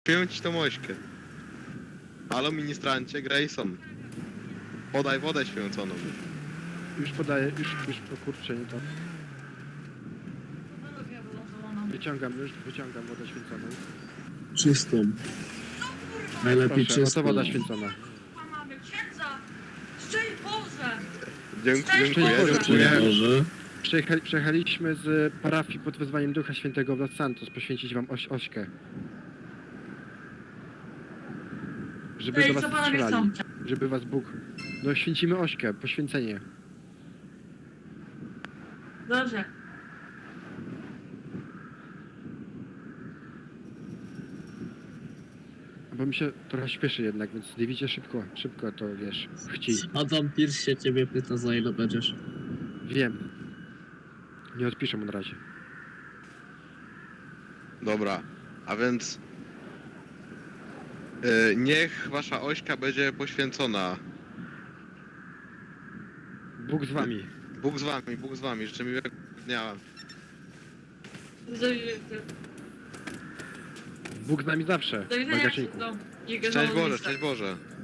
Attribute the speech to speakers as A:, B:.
A: Śpię ci tą ośkę. Halo, ministrancie Grayson. Podaj wodę święconą.
B: Już podaję, już, o kurczę, nie to. Wyciągam wodę święconą.
C: Czystą. Najlepiej
B: Proszę,
C: czystą.
B: oto woda święcona.
D: Mamy księdza! Szczęść Boże!
A: Dziękuję,
D: Boże.
A: dziękuję.
C: Boże.
B: Przyjechaliśmy z parafii pod wezwaniem Ducha Świętego w Los Santos poświęcić wam ośkę. Żeby do
D: Ej, co
B: was
D: panowie
B: strzelali.
D: chcą?
B: Żeby was Bóg... No święcimy ośkę, poświęcenie.
D: Dobrze.
B: Bo mi się trochę śpieszy jednak, więc Davidzie szybko to wiesz, chci.
C: Adam Pierce się ciebie pyta, za ile będziesz.
B: Wiem. Nie odpiszę mu na razie.
A: Dobra, a więc... niech wasza ośka będzie poświęcona.
B: Bóg z wami.
A: Bóg z wami, życzę miłego dnia.
B: Bóg z nami zawsze.
D: Do widzenia,
B: Bagażniku.
D: księdzu.
A: Szczęść Boże, szczęść Boże.